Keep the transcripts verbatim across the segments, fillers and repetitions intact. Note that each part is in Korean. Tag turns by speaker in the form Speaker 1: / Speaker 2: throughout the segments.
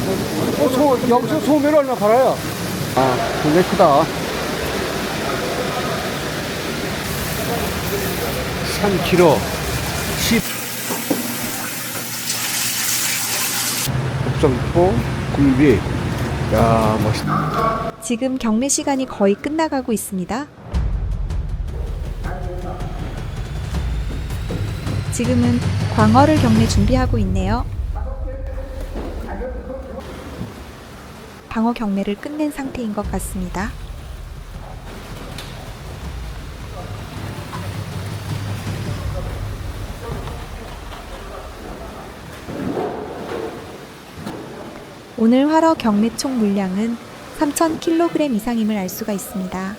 Speaker 1: 어, 소, 여기서 소매를 얼마 팔아요? 아, 굉장히 크다. 삼 킬로그램, 십. 복성포, 굴비. 야, 멋있다.
Speaker 2: 지금 경매 시간이 거의 끝나가고 있습니다. 지금은 광어를 경매 준비하고 있네요. 방어 경매를 끝낸 상태인 것 같습니다. 오늘 활어 경매 총 물량은 삼천 킬로그램 이상임을 알 수가 있습니다.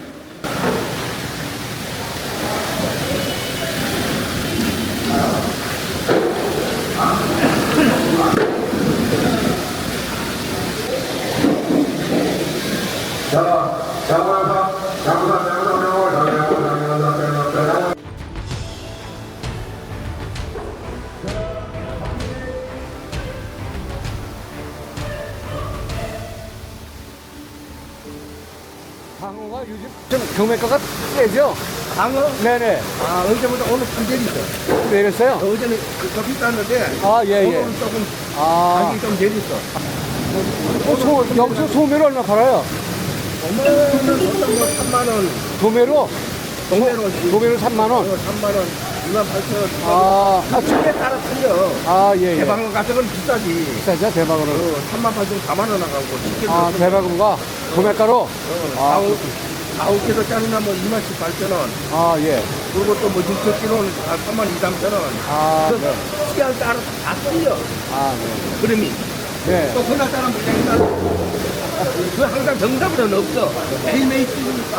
Speaker 1: 방어가 요즘 좀 경매가가 세죠?
Speaker 3: 방어?
Speaker 1: 네네.
Speaker 3: 아, 어제보다 오늘 좀 내렸어.
Speaker 1: 내렸어요?
Speaker 3: 어제는 그- 더 비쌌는데,
Speaker 1: 아, 예, 예.
Speaker 3: 오늘은 조금
Speaker 1: 아,
Speaker 3: 가격이 좀 내렸어.
Speaker 1: 어, 소, 여기서 소매를 얼마 팔아요?
Speaker 3: 오늘은 보통 뭐 삼만 원,
Speaker 1: 도매로?
Speaker 3: 동네로
Speaker 1: 도매로 삼만 원?
Speaker 3: 삼만 원, 이만 팔천 원.
Speaker 1: 아, 아,
Speaker 3: 집에 따라 틀려.
Speaker 1: 아, 예, 예.
Speaker 3: 대방어 같은 건 비싸지.
Speaker 1: 비싸죠, 대박으로.
Speaker 3: 어, 삼만 팔천 원, 사만 원 나가고.
Speaker 1: 아, 대박인가? 도매가로?
Speaker 3: 어,
Speaker 1: 아,
Speaker 3: 아홉, 아홉 개도 짜리나 뭐 이만씩 팔천 원.
Speaker 1: 아, 예.
Speaker 3: 그리고 또 뭐 육천 킬로는 한 삼만 이, 삼천 원.
Speaker 1: 아,
Speaker 3: 그
Speaker 1: 네.
Speaker 3: 시간 따라 다 틀려.
Speaker 1: 아, 네.
Speaker 3: 그림이.
Speaker 1: 네.
Speaker 3: 또 그날따라 물량이 따라. 그 항상 정답은 없어. 매일매일 찍으니까.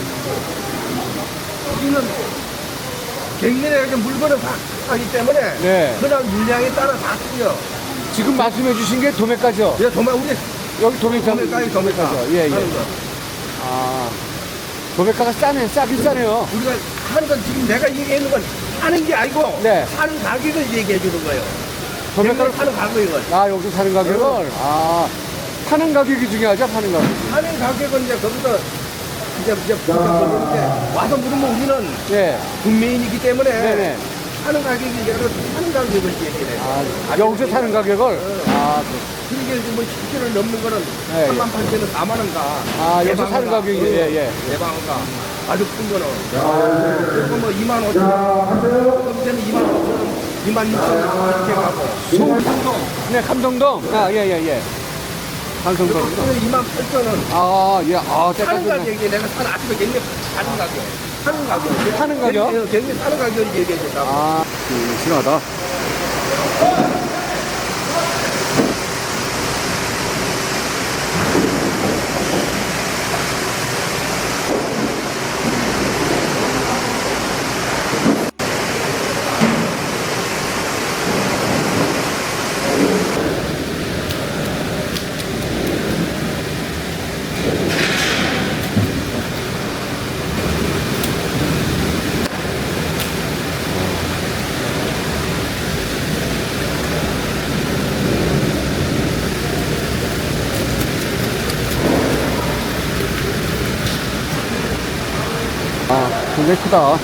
Speaker 3: 우리는 갱년에 이렇게 물건을 다 하기 때문에
Speaker 1: 네.
Speaker 3: 그날 물량에 따라 다 틀려.
Speaker 1: 지금 말씀해 주신 게 도매가죠?
Speaker 3: 그래서 정말 우리
Speaker 1: 여기 도매가.
Speaker 3: 도매가에 도매가.
Speaker 1: 예, 예.
Speaker 3: 하는 거.
Speaker 1: 아, 도매가가 싸네, 싸긴 싸네요.
Speaker 3: 우리가 하는 건 지금 내가 얘기하는 건 하는 게 아니고
Speaker 1: 네.
Speaker 3: 사는 가격을 얘기해 주는 거예요.
Speaker 1: 도매가를
Speaker 3: 갱년에 사는 가격을.
Speaker 1: 아, 여기서 사는 가격을? 아, 파는 가격이 중요하죠, 파는 가격.
Speaker 3: 하는 가격은 이제 거기서 이제 이제 보는데 와서 물으면 우리는
Speaker 1: 예.
Speaker 3: 국민이기 때문에
Speaker 1: 네네.
Speaker 3: 하는 가격이 이제 하는 가격을 얘기해.
Speaker 1: 아, 여기서 사는 가격을? 아,
Speaker 3: 그러게 뭐 십 킬로를 넘는 거는
Speaker 1: 예, 예.
Speaker 3: 삼만 팔천 원, 사만 원가.
Speaker 1: 아, 여기서 사는 가격이, 예, 예.
Speaker 3: 대방어가 아주 큰 거는. 그리고 뭐 이만 오천 원, 그때는 이만 오천 원, 이만 육천 원 이렇게 가고.
Speaker 1: 송동동. 네, 감동동. 아, 예, 예, 예. 감성동.
Speaker 3: 그때는 이만 팔천 원.
Speaker 1: 아, 예. 아,
Speaker 3: 사는
Speaker 1: 때까지.
Speaker 3: 가격이 내가 산 아침에 굉장히 사는 가격. 사는 가격.
Speaker 1: 사는 가격?
Speaker 3: 굉장히- 굉장히 사는 가격을 얘기해 준다고.
Speaker 1: 아, 싱싱하다. 아, 굉장히 크다.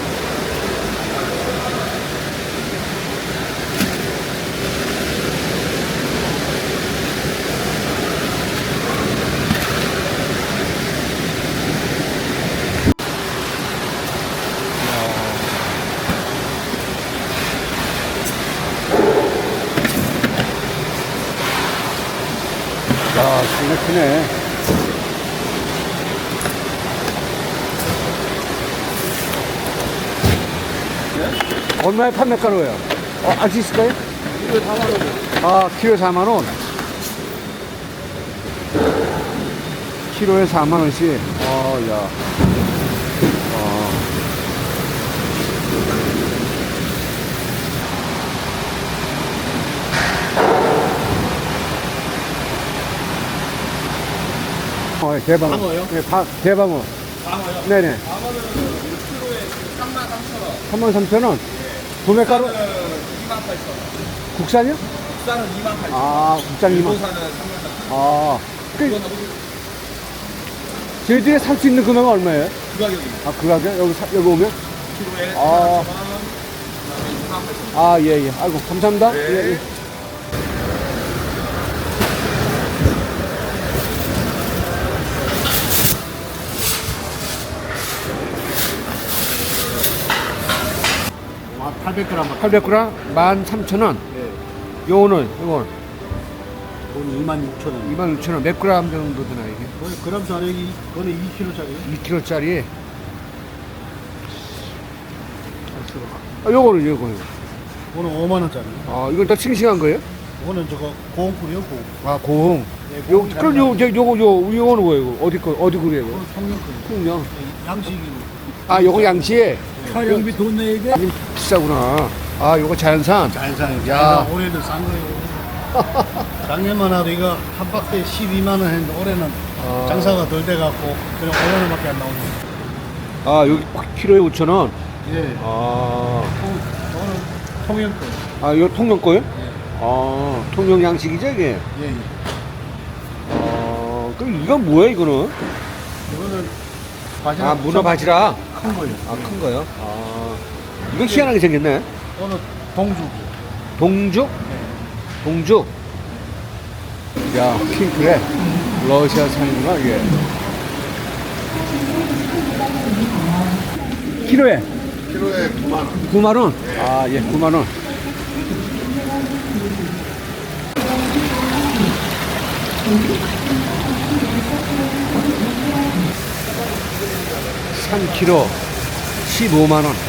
Speaker 1: 야, 굉장히 크네. 얼마에 판매가로예요? 어, 알 수 있을까요?
Speaker 3: 이거 사만 원.
Speaker 1: 아, 키로에 사만 원. 키로에 사만 원씩. 어, 야. 어. 어, 예, 대방어.
Speaker 3: 방어요?
Speaker 1: 네, 바, 대방어.
Speaker 3: 방어요?
Speaker 1: 네네.
Speaker 3: 방어는 일 킬로에 삼만 삼천 원.
Speaker 1: 삼만 삼천 원. 도매가로?
Speaker 3: 이만 팔천 원.
Speaker 1: 국산이요?
Speaker 3: 국산은 이만 팔천 원.
Speaker 1: 아, 국산 이만.
Speaker 3: 일본산은 삼만 원.
Speaker 1: 아, 그,
Speaker 3: 이건
Speaker 1: 저희들이 살 수 있는 금액은 얼마예요?
Speaker 3: 그 가격입니다.
Speaker 1: 아, 그 가격? 여기, 사, 여기 오면?
Speaker 3: 키로에
Speaker 1: 아.
Speaker 3: 사만 원, 그다음에 이만 팔천 원.
Speaker 1: 아, 예, 예. 아이고, 감사합니다.
Speaker 3: 네.
Speaker 1: 예, 예.
Speaker 4: 아, 팔백 그램.
Speaker 1: 팔백 그램 만 삼천 원.
Speaker 4: 네.
Speaker 1: 요거는, 요건
Speaker 4: 돈 이만 육천 원.
Speaker 1: 이만 육천 원. 몇 그램 정도 되나, 이게?
Speaker 4: 거의 그램 자력이 그거는 이 킬로짜리.
Speaker 1: 이 킬로짜리. 아, 요거는, 요거는.
Speaker 4: 그거는 오만 원짜리.
Speaker 1: 아, 이건 더 싱싱한 거예요?
Speaker 4: 그거는 저거 고홍꿀이요, 고홍.
Speaker 1: 아, 고흥.
Speaker 4: 네,
Speaker 1: 요,
Speaker 4: 고홍이
Speaker 1: 그럼 요,
Speaker 4: 다르다.
Speaker 1: 저, 요거, 요, 요거는 뭐예요? 이거? 어디 거, 어디 그래요? 이거?
Speaker 4: 그거는 통영꿀.
Speaker 1: 통영.
Speaker 4: 양식이고.
Speaker 1: 아, 요거 양치에
Speaker 4: 촬영비 돈 내야 돼.
Speaker 1: 비싸구나. 아, 요거 자연산.
Speaker 4: 자연산.
Speaker 1: 야.
Speaker 4: 야, 올해는 싼 거예요. 작년만 해도 이거 한 박스에 십이만 원 했는데 올해는
Speaker 1: 아.
Speaker 4: 장사가 덜 돼갖고 그냥 오만 원밖에 안 나오네.
Speaker 1: 아, 여기 키로에 오천 원.
Speaker 4: 예.
Speaker 1: 아,
Speaker 4: 통, 저거는 통영꿀.
Speaker 1: 아, 요 통영 거요?
Speaker 4: 예.
Speaker 1: 아, 통영 양식이죠, 이게?
Speaker 4: 예, 예.
Speaker 1: 아, 그럼 이건 뭐야, 이거는?
Speaker 4: 이거는 바지락.
Speaker 1: 아, 문어 바지락.
Speaker 4: 큰 거예요.
Speaker 1: 아, 큰 거요? 아, 이거 희한하게 생겼네.
Speaker 4: 이거는 동죽.
Speaker 1: 동죽? 동죽. 야, 핑크래. 러시아 산이구나, 이게. 키로에?
Speaker 4: 키로에 구만 원.
Speaker 1: 구만 원? 아, 예, 구만 원. 삼 킬로그램 십오만 원.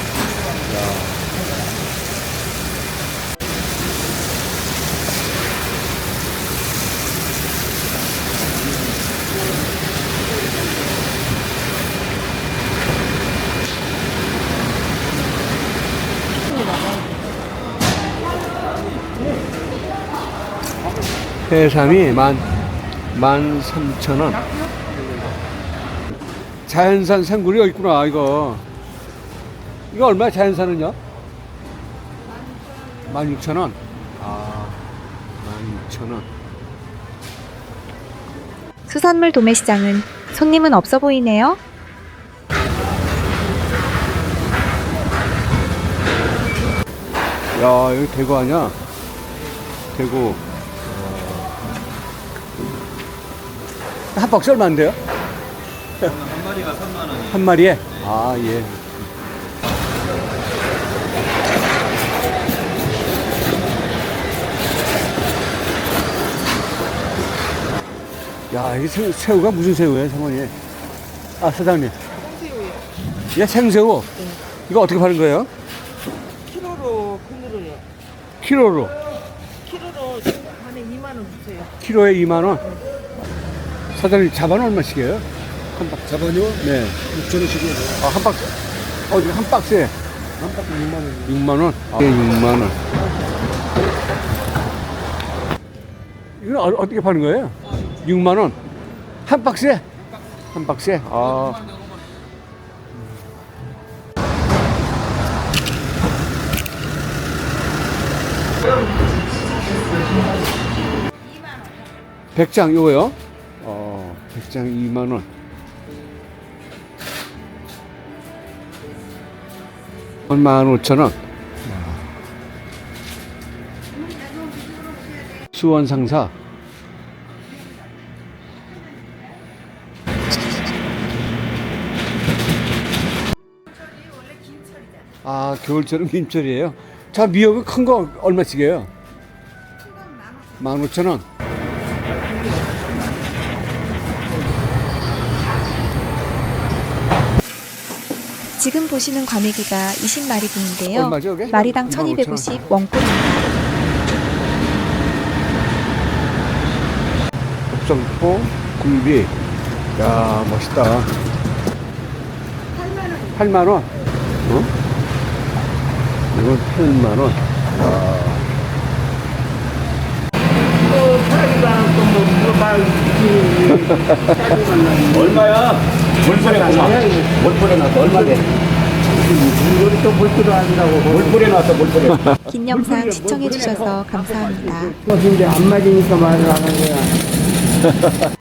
Speaker 1: 해삼이 만, 만 삼천 원. 자연산 생굴이 여기 있구나, 이거. 이거 얼마야, 자연산은요? 만 육천 원. 아, 만 육천 원.
Speaker 2: 수산물 도매시장은 손님은 없어 보이네요.
Speaker 1: 야, 여기 대구 아니야? 대구. 한 박스 얼마인데요?
Speaker 3: 한 마리가 삼만 원이에요.
Speaker 1: 한 마리에? 아, 예. 야, 이 새우, 새우가 무슨 새우예요, 사모님? 아, 사장님.
Speaker 5: 생새우요.
Speaker 1: 예, 생새우. 이거 어떻게 파는 거예요?
Speaker 5: 키로로 그늘어요.
Speaker 1: 키로로.
Speaker 5: 키로로 안에 이만 원 주세요.
Speaker 1: 키로에 이만 원. 사장님, 자반 얼마씩이에요? 한 박스.
Speaker 4: 자반요?
Speaker 1: 네.
Speaker 4: 육천 원씩이요.
Speaker 1: 아, 한 박스. 어디 한 박스에?
Speaker 4: 한 박스 육만 원.
Speaker 1: 육만 원? 아, 예, 육만 원. 이거 어, 어떻게 파는 거예요? 육만 원. 한 박스에? 한 박스에? 아. 백장 요거요? 어, 백장 이만 원. 만 오천 원. 수원 상사. 아, 겨울철은 김철이에요. 자, 미역은 큰 거 얼마씩이에요? 만 오천 원.
Speaker 2: 지금 보시는 과메기가 이십 마리 분인데요.
Speaker 1: 얼마죠, 그게?
Speaker 2: 마리당
Speaker 1: 이만 오천 원.
Speaker 2: 천이백오십 원꼴입니다.
Speaker 1: 곱성포 굴비. 야, 멋있다. 팔만 원. 어? 이건 팔만 원. 야.
Speaker 3: 얼마야? 월포에 나서 월포에 나서 얼마래?
Speaker 1: 이거 또 물뿌려 아니라고. 물뿌려 놨어, 물뿌려.
Speaker 2: 긴 영상 시청해주셔서 감사합니다.
Speaker 1: 근데 안 맞으니까 말을 안 하는 거야.